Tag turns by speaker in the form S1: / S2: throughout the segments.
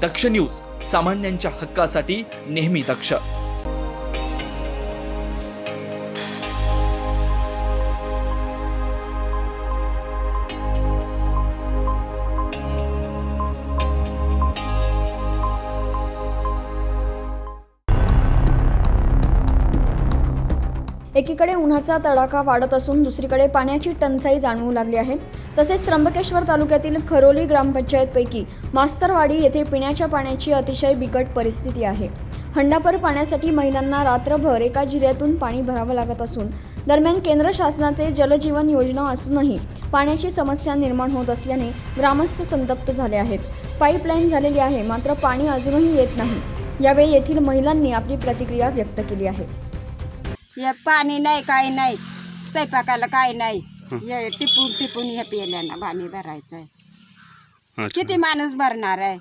S1: दक्ष news, सामान्यांच्या हक्कासाठी नेहमी दक्ष.
S2: एकीकडे उन्हाचा तडाखा वाढत असून दुसरीकडे पाण्याची टंचाई जाणवू लागली आहे. तसेच त्र्यंबकेश्वर तालुक्यातील खरोली ग्रामपंचायतपैकी मास्तरवाडी येथे पिण्याच्या पाण्याची अतिशय बिकट परिस्थिती आहे. हंडाभर पाण्यासाठी महिलांना रात्रभर एका जिऱ्यातून पाणी भरावं लागत असून दरम्यान केंद्र शासनाचे जलजीवन योजना असूनही पाण्याची समस्या निर्माण होत असल्याने ग्रामस्थ संतप्त झाले आहेत. पाईपलाईन झालेली आहे, मात्र पाणी अजूनही येत नाही. यावेळी येथील महिलांनी आपली प्रतिक्रिया व्यक्त केली आहे.
S3: हे पाणी नाही, काही नाही, स्वयंपाकाला काही नाही. हे टिपून टिपून हे पेल्यानं पाणी भरायचं आहे. किती माणूस भरणार आहे?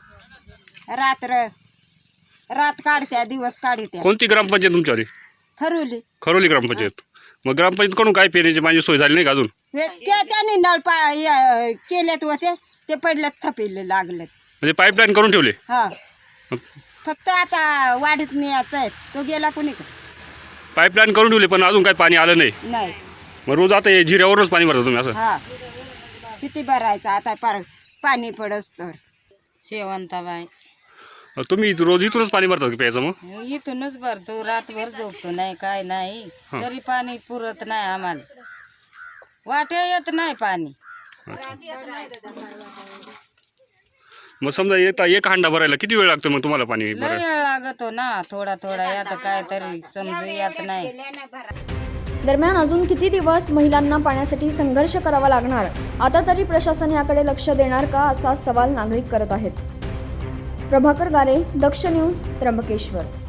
S3: रात काढत्या, दिवस काढत्या.
S4: कोणती ग्रामपंचायत तुमच्यावाली?
S3: खरोली.
S4: खरोली ग्रामपंचायत. मग ग्रामपंचायतकडून काय पिण्याची पाणी सोय झाली नाही का अजून?
S3: त्यांनी नळ केलेत होते, ते पडलेत, थपेले लागलेत.
S4: म्हणजे पाईपलाईन करून ठेवले?
S3: हा, फक्त आता वाढीत न्यायचं आहे. तो गेला कोणी का?
S4: पाईपलाईन करून ठेवली पण अजून काही पाणी आलं नाही.
S3: नाही.
S4: मग रोज आता हे जिऱ्यावरच पाणी भरता तुम्ही असं?
S3: हा, किती भरायचं आता, पाणी पडस तर.
S5: शेवंताबाई.
S4: तुम्ही रोज इथूनच पाणी भरता की प्यायचं? मग
S5: इथूनच भरतो, रातभर झोपतो नाही, काय नाही, तरी पाणी पुरत नाही आम्हाला. वाटे येत नाही पाणी.
S4: मग समजा एक हांडा भरायला किती वेळ लागतो मग तुम्हाला पाणी
S5: लय
S4: भरायला?
S5: वेळ लागतो ना, थोडा थोडा यात काय तरी समजू येत नाही.
S2: दरम्यान अजून किती दिवस महिलांना पाण्यासाठी संघर्ष करावा लागणार? आता तरी प्रशासन याकडे लक्ष देणार का, असा सवाल नागरिक करत आहेत. प्रभाकर गारे, दक्ष न्यूज, त्र्यंबकेश्वर.